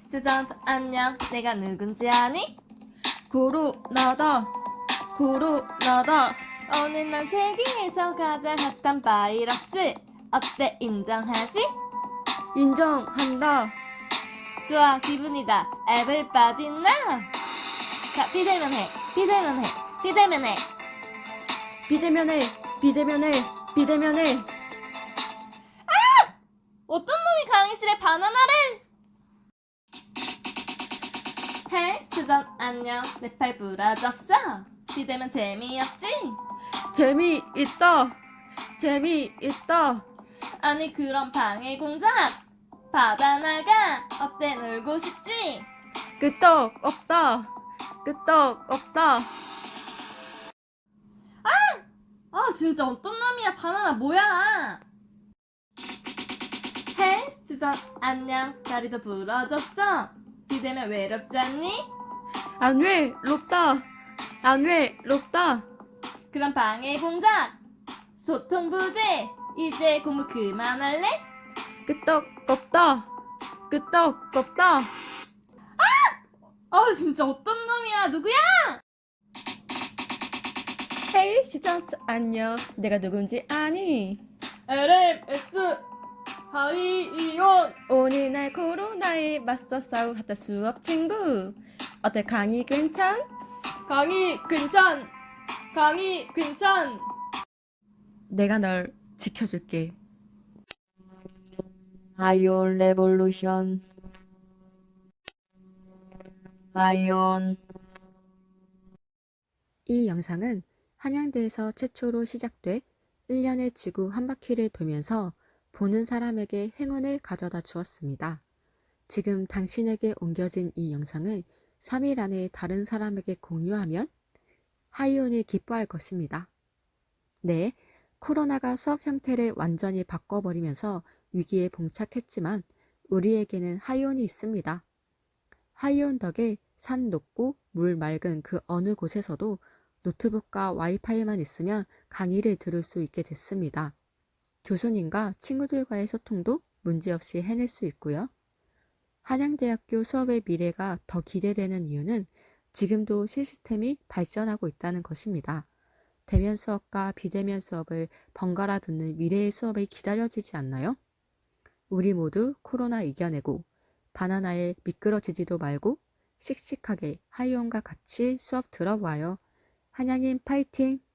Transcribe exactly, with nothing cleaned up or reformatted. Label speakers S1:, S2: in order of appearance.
S1: 스튜던트 안녕. 내가 누군지 아니?
S2: 코로나다 코로나다
S1: 오늘 난 세계에서 가장 핫한 바이러스. 어때, 인정하지?
S2: 인정한다.
S1: 좋아, 기분이다. Everybody now. 자, 비대면 해. 비대면 해. 비대면 해.
S2: 비대면에 비대면에 비대면에
S1: 어떤 놈이 강의실에 바나나를? 헤이, 스튜던트 안녕. 내 팔 부러졌어. 비대면 재미없지?
S2: 재미있다 재미있다.
S1: 아니, 그럼 방해 공작. 바다나가 어때, 놀고 싶지?
S2: 끄떡 없다 끄떡 없다.
S1: 아, 진짜 어떤 놈이야. 바나나 뭐야? 헤이, 스튜던트 안녕. 다리도 부러졌어. 비대면 외롭지 않니?
S2: 안 외롭다 안 외롭다.
S1: 그럼 방해 공작. 소통 부재. 이제 공부 그만할래?
S2: 끄떡 없다 끄떡 없다.
S1: 아, 진짜 어떤 놈이야. 누구야?
S2: 헤이 시전트 안녕. 내가 누군지 아니?
S1: 엘엠에스 하이이온.
S2: 오늘 날 코로나에 맞서 싸우 하다 수업 친구. 어때 강의 괜찮?
S1: 강의 괜찮. 강의 괜찮.
S2: 내가 널 지켜줄게.
S3: 아이온 레볼루션 아이온
S2: 이 영상은 한양대에서 최초로 시작돼 일 년의 지구 한 바퀴를 돌면서 보는 사람에게 행운을 가져다 주었습니다. 지금 당신에게 옮겨진 이 영상을 삼 일 안에 다른 사람에게 공유하면 하이온이 기뻐할 것입니다. 네, 코로나가 수업 형태를 완전히 바꿔버리면서 위기에 봉착했지만 우리에게는 하이온이 있습니다. 하이온 덕에 산 높고 물 맑은 그 어느 곳에서도 노트북과 와이파이만 있으면 강의를 들을 수 있게 됐습니다. 교수님과 친구들과의 소통도 문제없이 해낼 수 있고요. 한양대학교 수업의 미래가 더 기대되는 이유는 지금도 시스템이 발전하고 있다는 것입니다. 대면 수업과 비대면 수업을 번갈아 듣는 미래의 수업이 기다려지지 않나요? 우리 모두 코로나 이겨내고 바나나에 미끄러지지도 말고 씩씩하게 하이온과 같이 수업 들어봐요. 한양인 파이팅!